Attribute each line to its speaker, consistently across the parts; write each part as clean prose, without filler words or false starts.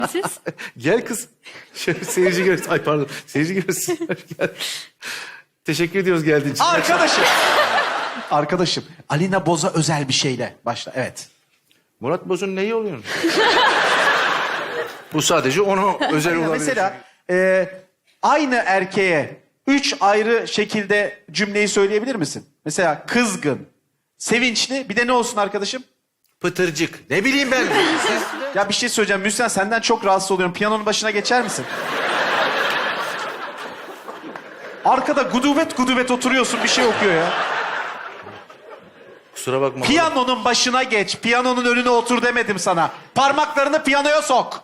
Speaker 1: Siz?
Speaker 2: Gel kız. Şöyle seyirci görsün. Ay pardon. Seyirci görsün. Gel. Teşekkür ediyoruz geldiğin için.
Speaker 3: Arkadaşım. Arkadaşım. Alina Boz'a özel bir şeyle başla. Evet.
Speaker 2: Murat Boz'un neyi oluyor? Bu sadece ona özel
Speaker 3: Alina,
Speaker 2: olabilir.
Speaker 3: mesela aynı erkeğe 3 ayrı şekilde cümleyi söyleyebilir misin? Mesela kızgın, sevinçli, bir de ne olsun arkadaşım?
Speaker 2: Pıtırcık. Ne bileyim ben. Siz...
Speaker 3: Ya bir şey söyleyeceğim. Müslüman, senden çok rahatsız oluyorum. Piyanonun başına geçer misin? Arkada gudubet gudubet oturuyorsun, bir şey okuyor ya.
Speaker 2: Kusura bakma.
Speaker 3: Piyanonun başına geç. Piyanonun önüne otur demedim sana. Parmaklarını piyanoya sok.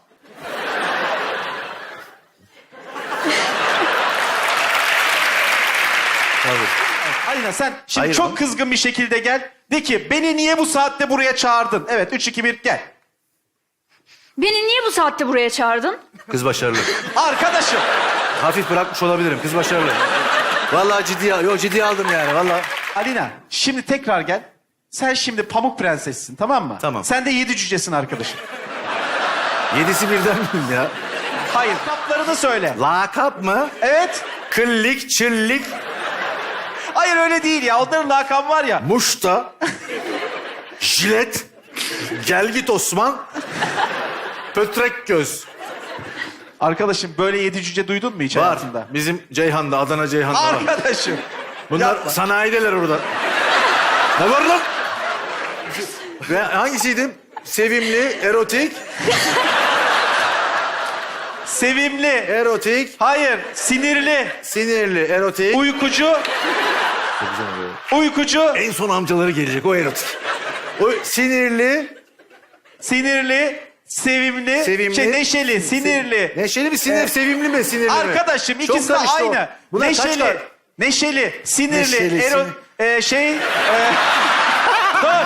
Speaker 2: Tabii.
Speaker 3: Alina sen şimdi
Speaker 2: Hayır,
Speaker 3: çok
Speaker 2: bu-
Speaker 3: kızgın bir şekilde gel. De ki beni niye bu saatte buraya çağırdın? Evet 3, 2, 1 gel.
Speaker 1: Beni niye bu saatte buraya çağırdın?
Speaker 2: Kız başarılı.
Speaker 3: Arkadaşım.
Speaker 2: Hafif bırakmış olabilirim. Kız başarılı. Vallahi ciddiye aldım yani. Vallahi.
Speaker 3: Alina şimdi tekrar gel. Sen şimdi Pamuk Prensessin, tamam mı?
Speaker 2: Tamam.
Speaker 3: Sen de 7 cücesin arkadaşım.
Speaker 2: 7'si birden miyim ya?
Speaker 3: Hayır, kaplarını söyle.
Speaker 2: Lakap mı?
Speaker 3: Evet.
Speaker 2: Kıllik, çillik,
Speaker 3: Hayır öyle değil ya. Onların lakabı var ya.
Speaker 2: muşta, jilet, gelgit Osman, pötrek göz.
Speaker 3: Arkadaşım böyle 7 cüce duydun mu hiç
Speaker 2: Var.
Speaker 3: hayatında?
Speaker 2: Bizim Ceyhan'da, Adana Ceyhan'da var.
Speaker 3: Arkadaşım.
Speaker 2: Bunlar
Speaker 3: Yapma.
Speaker 2: sanayideler orada. Ne var lan? Ve hangisiydim? Sevimli, erotik,
Speaker 3: Sevimli.
Speaker 2: erotik,
Speaker 3: Hayır, sinirli.
Speaker 2: sinirli, erotik.
Speaker 3: Uykucu. Uykucu.
Speaker 2: En son amcaları gelecek, o erotik. O sinirli,
Speaker 3: Sinirli. Sevimli.
Speaker 2: Sevimli.
Speaker 3: Neşeli, sinirli.
Speaker 2: neşeli mi sinir, sevimli mi sinirli mi?
Speaker 3: Arkadaşım
Speaker 2: Çok
Speaker 3: ikisi de
Speaker 2: karıştı o.
Speaker 3: aynı.
Speaker 2: Buna kaç
Speaker 3: Neşeli.
Speaker 2: var?
Speaker 3: Neşeli, sinirli,
Speaker 2: Neşeli,
Speaker 3: Dur.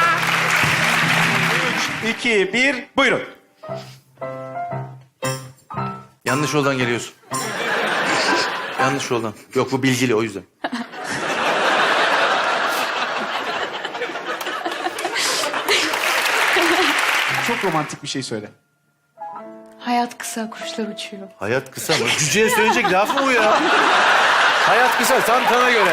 Speaker 3: 3, 2, 1, buyurun.
Speaker 2: Yanlış yoldan geliyorsun. Yanlış yoldan. Yok bu bilgili o yüzden.
Speaker 3: Çok romantik bir şey söyle.
Speaker 1: Hayat kısa, kuşlar uçuyor.
Speaker 2: Hayat kısa mı? Cüceye söyleyecek laf mı bu ya? Hayat kısa tam sana göre.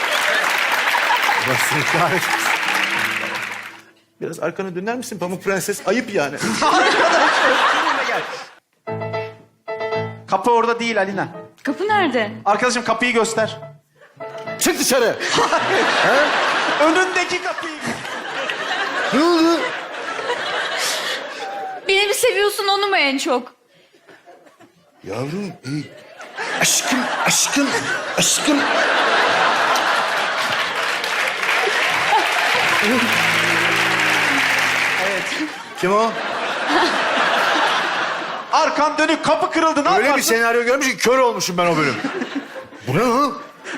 Speaker 2: Bak seni kahretsin. Biraz arkana döner misin Pamuk Prenses? Ayıp yani.
Speaker 3: Benimle gel. Kapı orada değil Alina.
Speaker 1: Kapı nerede?
Speaker 3: Arkadaşım kapıyı göster.
Speaker 2: Çık dışarı.
Speaker 3: Önündeki kapıyı.
Speaker 2: Ne oldu?
Speaker 1: Beni mi seviyorsun, onu mu en çok?
Speaker 2: Yavrum, aşkım, aşkım, aşkım.
Speaker 3: Evet.
Speaker 2: Kim o?
Speaker 3: Arkan dönük, kapı kırıldı. Ne
Speaker 2: Öyle bir
Speaker 3: yaparsın?
Speaker 2: senaryo görmüş ki kör olmuşum ben o bölüm. Bu ne lan?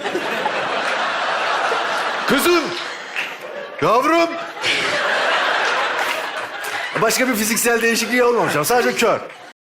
Speaker 2: Kızım! Yavrum! Başka bir fiziksel değişikliği olmamış ama sadece kör.